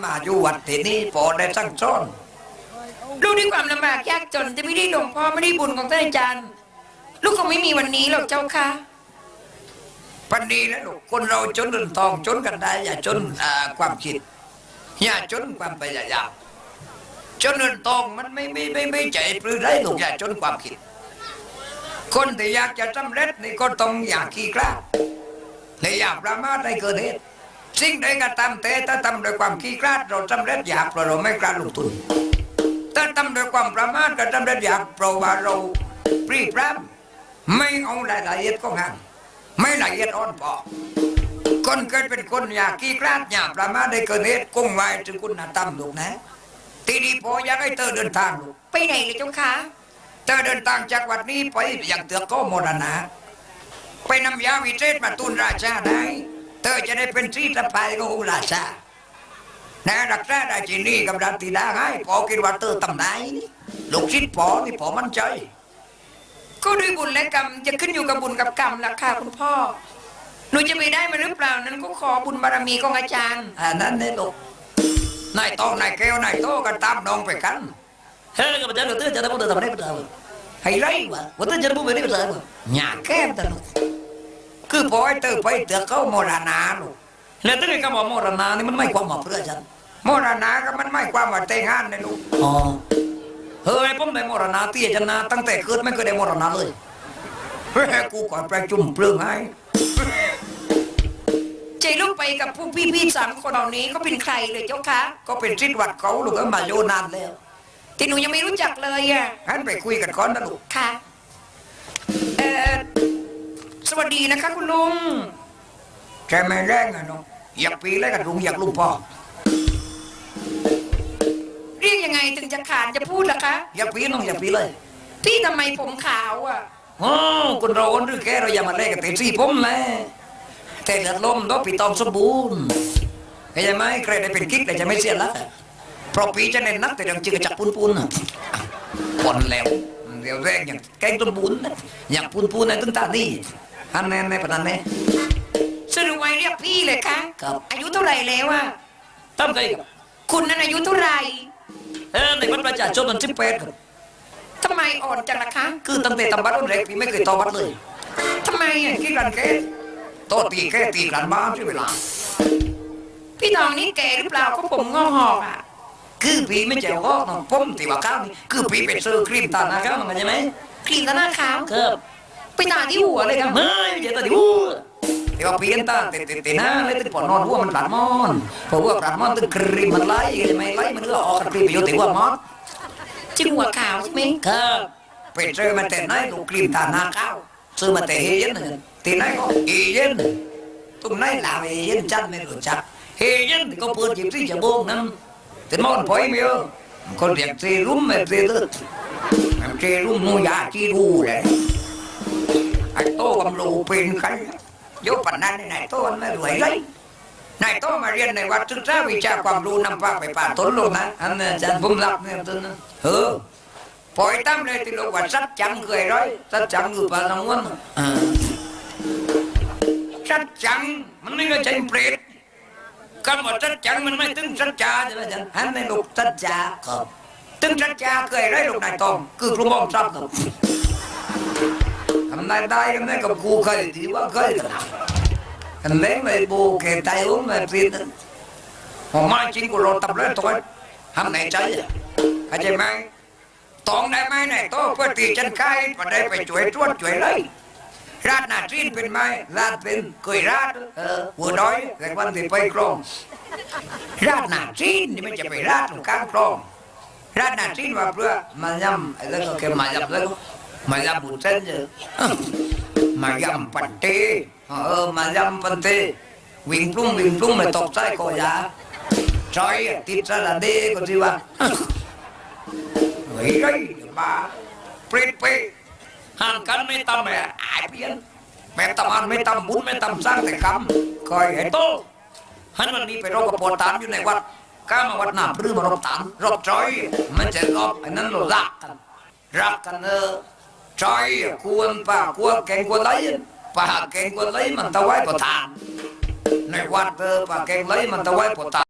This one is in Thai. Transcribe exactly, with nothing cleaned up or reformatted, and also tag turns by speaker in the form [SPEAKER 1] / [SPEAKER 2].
[SPEAKER 1] มาอยู่วัดที่นี่พอได้สั่งสอน
[SPEAKER 2] ลูกด้วยความลำบากยากจนจะไม่ได้หลวงพ่อไม่ได้บุญของท่านอาจารย์ลูกคงไม่มีวันนี้หรอกเจ้าค่ะ
[SPEAKER 1] ปันนี้แล้วลูกคนเราจนเงินทองจนกันได้อย่าจนความคิดอย่าจนความพยายามจนเงินทองมันไม่ไม่ไม่ไม่ใจปลื้มได้ลูกอย่าจนความคิดคนที่อยากจะสำเร็จนี่ก็ต้องอยากขี้กล้าและอยากประมาทในเกิดเหตุสิ่งใดก็ตามแต่ถ้าทำโดยความขี้กล้าเราสำเร็จอยากเพราะเราไม่กล้าลงทุนถ้าทำโดยความประมาทก็สำเร็จอยากเพราะว่าเราปรีพร้ำไม่เอารายละเอียดของงานไม่ละเอียดอ่อนพอคนเกิดเป็นคนอยากขี้กล้าอยากประมาทในเกิดเหตุคงไว้ถึงคุณธรรมลูกนะทีนี้พออยากให้เธอเดินทางลูก
[SPEAKER 2] ไปไหนเลยเจ้าค่ะ
[SPEAKER 1] เธอเดินทางจากวัดนี้ไปอย่างเตือกก็โมรณะไปนำยาวิเศษมาตุนราชาได้เธอจะได้เป็นที่สะพายขององค์ราชานะรักษาได้จีนี่กับดันตีดาให้พอคิดว่าเธอทำได้ลูกศิษย์พอนี่พอมั่นใจ
[SPEAKER 2] ก็ด้วยบุญและกรรมจะขึ้นอยู่กับบุญกับกรรมล่ะค่ะคุณพ่อหนูจะไปได้มาหรือเปล่านั้นก็ขอบุญบารมีของอาจารย์
[SPEAKER 1] อ่านั่นเนี่ยลูกนายตองนายแก้วนายโตกันตามน้องไปกันเฮ้ยกับอาจารย์เราเตือนจะได้พูดทำได้ไม่ได้ให้ไรวะว่าเตือนจะได้พูดไม่ได้ไม่ได้หยาแก้มตลกคือพอไอ้เธอไปเตือนเขาโมรณะลูกแล้วตั้งแต่คำว่าโมรณะนี่มันไม่ความหมายเพื่อฉันโมรณะก็มันไม่ความว่าแต่งงานเลยลูกอ๋อเฮ้ยผมได้โมรณะเตี้ยจันนะตั้งแต่เกิดไม่เคยได้โมรณะเลยเฮ้ยกูก่อนประชุมเปลืองให้
[SPEAKER 2] ใจลูกไปกับผู้พี่ๆสามคนเหล่านี้ก็เป็นใครเลยเจ้าคะ
[SPEAKER 1] ก็เป็นศิษย์วัดเขาลูกก็มาโยนานแล้ว
[SPEAKER 2] ที่หนูยังไม่รู้จักเลยอ่ะ
[SPEAKER 1] งั้นไปคุยกันก่อนนะลูก
[SPEAKER 2] ค่ะเอ่อสวัสดีนะคะคุณลุง
[SPEAKER 1] ใช่ไหมแรงอ่ะน้องอยากปีแล้วกันลุงอยากลุงพ่อ
[SPEAKER 2] เรียกยังไงถึงจะขาดจะพูดล่ะคะ
[SPEAKER 1] อยากปีน้องอยากปีเลย
[SPEAKER 2] พี่ทำไมผมขาวอ่ะ
[SPEAKER 1] อ๋อคนเราคนหรือแกเราอย่ามาเล่นกับเต็มที่ผมแหละแต่เลือดลมต้องปีตองสมบูรณ์เข้าใจไหมใครได้เป็นกิ๊กแต่จะไม่เสียละเพราะปีจะเน้นนักแต่ยังจืดจับปูนปูนปนแล้วเดี๋ยวแรงอย่างแกงต้นบุญอย่างปูนปูนในต้นตาดีอันนี้ในปนันนี้
[SPEAKER 2] สรุปไว้เรียกพี่เลยคะ
[SPEAKER 1] ครับ
[SPEAKER 2] อายุเท่าไหร่แล้วอะ
[SPEAKER 1] ตั้งใจกับ
[SPEAKER 2] คุณนั้นอายุเท่าไหร่
[SPEAKER 1] เออในวัดประชาชนมันสิบแปดครับ
[SPEAKER 2] ทำไมอ่อนจังล่ะคะ
[SPEAKER 1] คือตั้งแต่ทำบัตรรุ่นแรกพี่ไม่เคยต่อบัตรเลย
[SPEAKER 2] ทำไมอ่ะ
[SPEAKER 1] กี่กันแค่โตตีแค่ตีกันบ้านใช่เวลา
[SPEAKER 2] พี่น้องนี่แก่หรือเปล่าก็ผมงอกหอกอ่ะ
[SPEAKER 1] คือพี่ไม่เจ้าก็น้องผมตีว่าข้าวนี่คือพี่เป็นซื้อครีมตาหน้าขาวมันใช่ไหม
[SPEAKER 2] ครีมตาหน้าขาว
[SPEAKER 1] ครับ
[SPEAKER 2] ไปตาที่หัวเลยครับ
[SPEAKER 1] ไม่ใช่ตาที่หัวแต่ว่าพี่เห็นตาเตะเตะเตะหน้าเลยตึงปอนนอนหัวมันปลาดมอนเพราะว่าปลาดมอนตึงครีมมันไล่ใช่ไหมไล่มันก็ออกครีมไปอยู่แต่หัวมอส
[SPEAKER 2] จริงหัวขาวใช่ไหม
[SPEAKER 1] ครับไปซื้อมาแต่ไหนลูกครีมตาหน้าขาวซื้อมาแต่เฮเย็นตีไหนก็เฮเย็นตรงไหนลาวเฮเย็นจันไม่รู้จักเฮเย็นก็เปิดจิบที่จะโบงนั้นแต่มอนพอยไม่เออคนเรียกเซรุ่มไม่เซเลือดเซรุ่มนูยาจีดูเลยไอ้โตกำลูเป็นใครยกปัญหาในไหนโตมันไม่รวยเลยนายโตมาเรียนในวัดศึกษาวิชาความรู้นำพาไปป่าต้นลงนะอันนั้นอาจารย์ผมรับเนี่ยต้นนั้นเออปล่อยตั้มเลยที่เราว่าสัจจังเคยร้อยสัจจังอยู่ป่าตะวันสัจจังมันไม่ได้ใจเปรตคำว่าสัจจังมันไม่ถึงสัจจาใช่ไหมจ๊ะฮันในลูกสัจจาครับถึงสัจจาเคยร้อยลูกนายตองคือครูมองทรัพย์ครับทำได้ได้กันได้กับกูเคยที่ว่าเคยกันกันเล่นไม่บูเกตายอุ้มไม่ฟินผมมาจริงกูรอตับเลยตัวทำไหนใจเข้าใจไหมตองได้ไหมเนี่ยโตเพื่อตีฉันไข่พอได้ไปช่วยตรวจช่วยเลยราดหน้าจีนเป็นไหมราดเป็นเคยราดเออหัวน้อยแต่วันที่ไปกรองราดหน้าจีนนี่ไม่จะไปราดตรงกลางกรองราดหน้าจีนว่าเพื่อมายำอะไรก็แค่มายำแล้วมายำบุญเส้นเยอะมายำปันเตเออมายำปันเตวิ่งพุ่งวิ่งพุ่งไม่ตกใจก็ยาจอยติดสระเดก็สิว่าเฮ้ยไรบ้าเปรตเปห่างกันไม่ตำแม่อายเพี้ยนแม่ตำอันไม่ตำบุญไม่ตำสร้างแต่คำคอยให้โตฮันวันนี้ไปรบกับปวดตานอยู่ในวัดก้ามาวัดหน้าพรื้มารบตานรบจอยมันจะรบไอ้นั้นเรารักกันรักกันเออจอยควรป่าควรแกงควรไหลป่าแกงควรไหลมันตะไว้ปวดตานในวัดเออป่าแกงไหลมันตะไว้ปวดตาน